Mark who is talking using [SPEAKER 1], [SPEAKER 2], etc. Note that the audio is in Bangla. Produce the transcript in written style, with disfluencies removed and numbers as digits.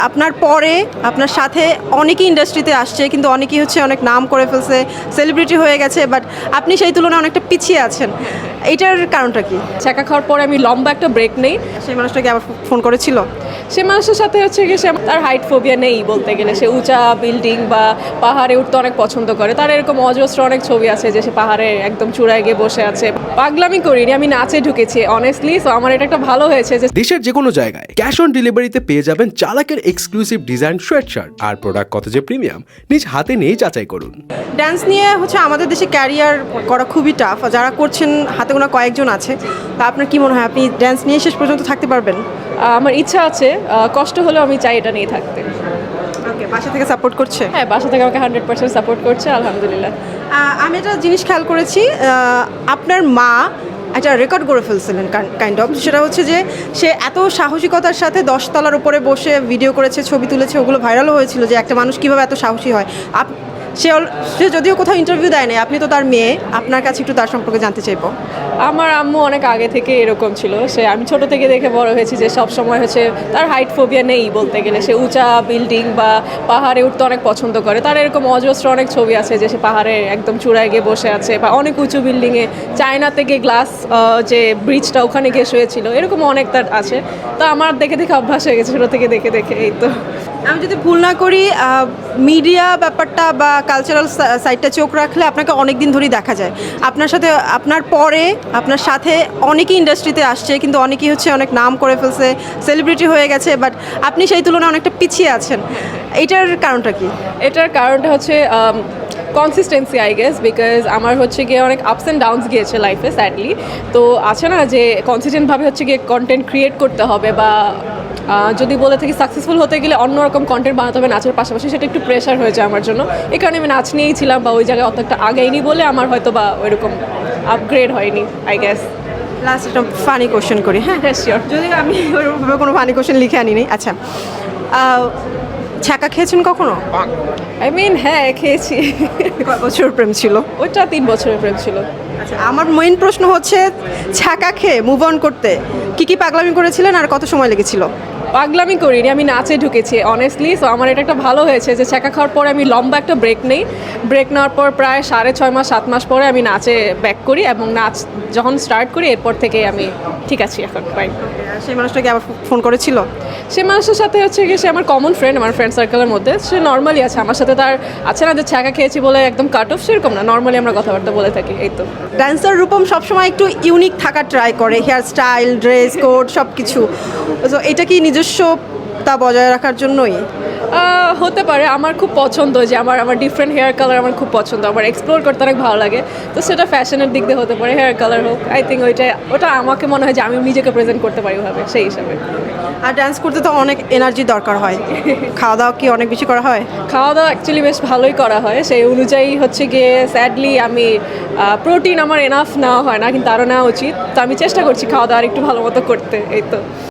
[SPEAKER 1] আপনার পরে আপনার সাথে অনেকেই ইন্ডাস্ট্রিতে আসছে, কিন্তু অনেকেই হচ্ছে অনেক নাম করে ফেলছে, সেলিব্রিটি হয়ে গেছে, বাট আপনি সেই তুলনায় অনেকটা পিছিয়ে আছেন। এইটার কারণটা কি?
[SPEAKER 2] ছ্যাঁকা খাওয়ার পরে আমি লম্বা একটা ব্রেক নেই।
[SPEAKER 1] সেই মানুষটাকে আবার ফোন করেছিল?
[SPEAKER 2] সে মানুষের সাথে হচ্ছে কি, সে তার হাইট ফোবিয়া নেই বলতে গেলে। সে উঁচা বিল্ডিং বা পাহাড়ে উঠতে অনেক পছন্দ করে। তার এরকম অজস্র অনেক ছবি আছে যে সে পাহাড়ে একদম চূড়ায় গিয়ে বসে আছে। পাগলামি করিনি, আমি নাচে ঢুকেছি অনেস্টলি। সো আমার এটা একটা ভালো হয়েছে যে
[SPEAKER 3] দেশের যে কোনো জায়গায় ক্যাশ অন ডেলিভারিতে পেয়ে যাবেন চালাকের এক্সক্লুসিভ ডিজাইন সোয়েটশার্ট। আর প্রোডাক্ট কত যে প্রিমিয়াম নিজ হাতে নিয়েই যাচাই করুন।
[SPEAKER 1] ডান্স নিয়ে হচ্ছে আমাদের দেশে ক্যারিয়ার করা খুবই টাফ। যারা করছেন হাতে গোনা কয়েকজন আছে। তা আপনার কি মনে হয়, আপনি ডান্স নিয়ে শেষ পর্যন্ত থাকতে পারবেন?
[SPEAKER 2] আমার ইচ্ছা আছে, কষ্ট হলেও আমি চাই এটা নিয়ে থাকতে।
[SPEAKER 1] ওকে, বাসা থেকে সাপোর্ট করছে?
[SPEAKER 2] হ্যাঁ, বাসা থেকে আমাকে 100% সাপোর্ট করছে, আলহামদুলিল্লাহ।
[SPEAKER 1] আমি একটা জিনিস খেয়াল করেছি, আপনার মা একটা রেকর্ড করে ফেলছিলেন কাইন্ড অফ। সেটা হচ্ছে যে সে এত সাহসিকতার সাথে 10 তলার উপরে বসে ভিডিও করেছে, ছবি তুলেছে, ওগুলো ভাইরালও হয়েছিল যে একটা মানুষ কীভাবে এত সাহসী হয়। সে যদিও কোথাও ইন্টারভিউ দেয় নাই, আপনি তো তার মেয়ে, আপনার কাছে একটু তার সম্পর্কে জানতে চাইবো।
[SPEAKER 2] আমার আম্মু অনেক আগে থেকে এরকম ছিল। আমি ছোট থেকে দেখে বড় হয়েছি যে সব সময় হচ্ছে তার হাইট ফোবিয়া নেই বলতে গেলে। সে উঁচা বিল্ডিং বা পাহাড়ে উঠতে অনেক পছন্দ করে। তার এরকম অজস্র অনেক ছবি আছে যে সে পাহাড়ে একদম চূড়ায় গিয়ে বসে আছে, বা অনেক উঁচু বিল্ডিংয়ে চায়না থেকে গ্লাস যে ব্রিজটা ওখানে গিয়ে শুয়েছিল, এরকম অনেক তার আছে। তো আমার দেখে দেখে অভ্যাস হয়ে গেছে, ছোটো থেকে দেখে দেখে। এই তো।
[SPEAKER 1] আমি যদি ভুল না করি, মিডিয়া ব্যাপারটা বা কালচারাল সাইডটা চোখ রাখলে আপনাকে অনেক দিন ধরেই দেখা যায়। আপনার পরে আপনার সাথে অনেকেই ইন্ডাস্ট্রিতে আসছে, কিন্তু অনেকেই হচ্ছে অনেক নাম করে ফেলছে, সেলিব্রিটি হয়ে গেছে, বাট আপনি সেই তুলনায় অনেকটা পিছিয়ে আছেন। এইটার কারণটা কি?
[SPEAKER 2] এটার কারণটা হচ্ছে কনসিস্টেন্সি, আই গেস। বিকজ আমার হচ্ছে গিয়ে অনেক আপস অ্যান্ড ডাউনস গিয়েছে লাইফে, স্যাডলি। তো আছে না যে কনসিস্টেন্টভাবে হচ্ছে গিয়ে কন্টেন্ট ক্রিয়েট করতে হবে, বা যদি বলে থাকি সাকসেসফুল হতে গেলে অন্যরকম কন্টেন্ট বানাতে হবে নাচের পাশাপাশি, সেটা একটু প্রেশার হয়ে যায় আমার জন্য। এই কারণে আমি নাচ নিয়েই ছিলাম, বা ওই জায়গায় অত একটা আগেইনি বলে আমার হয়তো বা ওইরকম আপগ্রেড হয়নি, আই গেস।
[SPEAKER 1] লাস্ট একটা ফানি কোশ্চেন করি। হ্যাঁ
[SPEAKER 2] শিওর।
[SPEAKER 1] যদি আমি ওইভাবে কোনো ফানি কোশ্চেন লিখে আনিনি। আচ্ছা, ছ্যাঁকা খেয়েছেন কখনো?
[SPEAKER 2] আই মিন হ্যাঁ, খেয়েছি।
[SPEAKER 1] কয় বছর প্রেম ছিল?
[SPEAKER 2] ওইটা 3 বছরের প্রেম ছিল।
[SPEAKER 1] আচ্ছা, আমার মেইন প্রশ্ন হচ্ছে ছ্যাঁকা খেয়ে মুভ অন করতে কি কি পাগলামি করেছিলেন আর কত সময় লেগেছিল?
[SPEAKER 2] পাগলামি করিনি, আমি নাচে ঢুকেছি অনেস্টলি। সো আমার এটা একটা ভালো হয়েছে যে ছ্যাঁকা খাওয়ার পরে আমি লম্বা একটা ব্রেক নেই। ব্রেক নেওয়ার পর প্রায় 6.5 মাস 7 মাস পরে আমি নাচে ব্যাক করি, এবং নাচ যখন স্টার্ট করি এরপর থেকে আমি ঠিক আছি এখন, ফাইন।
[SPEAKER 1] সেই মানুষটাকে আবার ফোন করেছিল?
[SPEAKER 2] সে মানুষের সাথে হচ্ছে কি, সে আমার কমন ফ্রেন্ড, আমার ফ্রেন্ড সার্কেলের মধ্যে। সে নর্মালি আছে আমার সাথে। তার আছে না যে ছ্যাঁকা খেয়েছি বলে একদম কাট অফ, সেরকম না, নর্মালি আমরা কথাবার্তা বলে থাকি। এই তো।
[SPEAKER 1] ডান্সার রূপম সবসময় একটু ইউনিক থাকার ট্রাই করে, হেয়ার স্টাইল, ড্রেস কোড সব কিছু। তো এটা কি নিজস্বতা বজায় রাখার জন্যই?
[SPEAKER 2] হতে পারে। আমার খুব পছন্দ যে আমার ডিফারেন্ট হেয়ার কালার আমার খুব পছন্দ, আমার এক্সপ্লোর করতে অনেক ভালো লাগে। তো সেটা ফ্যাশনের দিক দিয়ে হতে পারে, হেয়ার কালার হোক। আই থিঙ্ক ওটা আমাকে মনে হয় যে আমি নিজেকে প্রেজেন্ট করতে পারি ওভাবে, সেই হিসাবে।
[SPEAKER 1] আর ডান্স করতে তো অনেক এনার্জি দরকার হয়। খাওয়া দাওয়া কি অনেক বেশি করা হয়?
[SPEAKER 2] খাওয়া দাওয়া অ্যাকচুয়ালি বেশ ভালোই করা হয়। সেই অনুযায়ী হচ্ছে গিয়ে স্যাডলি আমি প্রোটিন আমার এনাফ নেওয়া হয় না, কিন্তু আরও নেওয়া উচিত। তো আমি চেষ্টা করছি খাওয়া দাওয়া একটু ভালো মতো করতে। এই তো।